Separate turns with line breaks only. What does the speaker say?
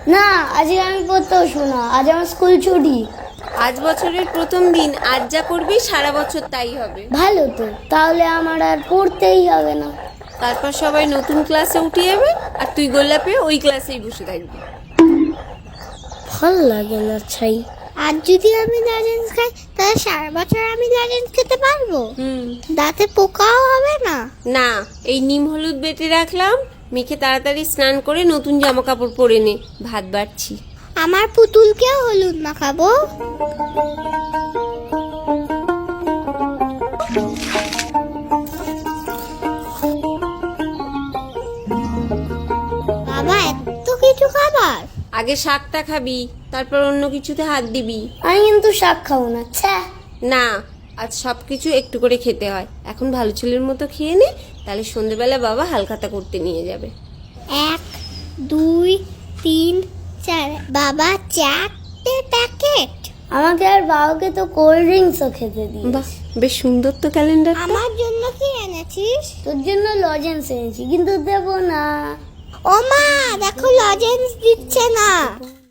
না, আজকে আমি পড়তে বসবো না, আজ আমার স্কুল ছুটি।
আজ বছরের প্রথম দিন, আজ যা করবি সারা বছর তাই হবে।
ভালো তো, তাহলে আমার আর পড়তেই হবে না।
তারপর সবাই নতুন ক্লাসে উঠে যাবে আর তুই গোল্লাপে ওই ক্লাসেই বসে থাকবি।
ভাল লাগে না ছাই।
আর যদি আমি লজেন্স খাই তাহলে সারা বছর আমি লজেন্স খেতে পারবো? দাঁতে পোকাও হবে না?
না, এই নিম হলুদ বেটে রাখলাম, মেখে তাড়াতাড়ি স্নান করে নতুন জামা কাপড় পরে নে, ভাত বাড়ছি।
আমার পুতুলকেও হলুদ মাখাবো। বাবা, এত কিছু খাবার?
আগে শাকটা খাবি, তারপর অন্য কিছুতে হাত দিবি।
আমি কিন্তু শাক খাবো না। ছ্যা।
না, আজ সবকিছু একটু করে খেতে হয়। এখন ভালো ছেলের মতো খেয়ে নে, তাহলে সন্ধ্যেবেলা বাবা হালখাতা করতে নিয়ে যাবে।
1 2 3 4। বাবা, 4টে প্যাকেট?
আমাকে আর বাবাকে তো কোল্ড ড্রিঙ্কসও খেতে দিই।
বাহ, বেশ সুন্দর তো ক্যালেন্ডার।
আমার জন্য কি এনেছিস?
তোর জন্য লজেন্স এনেছি, কিন্তু দেবো না।
ও মা, দেখো লজেন্স দিচ্ছে না।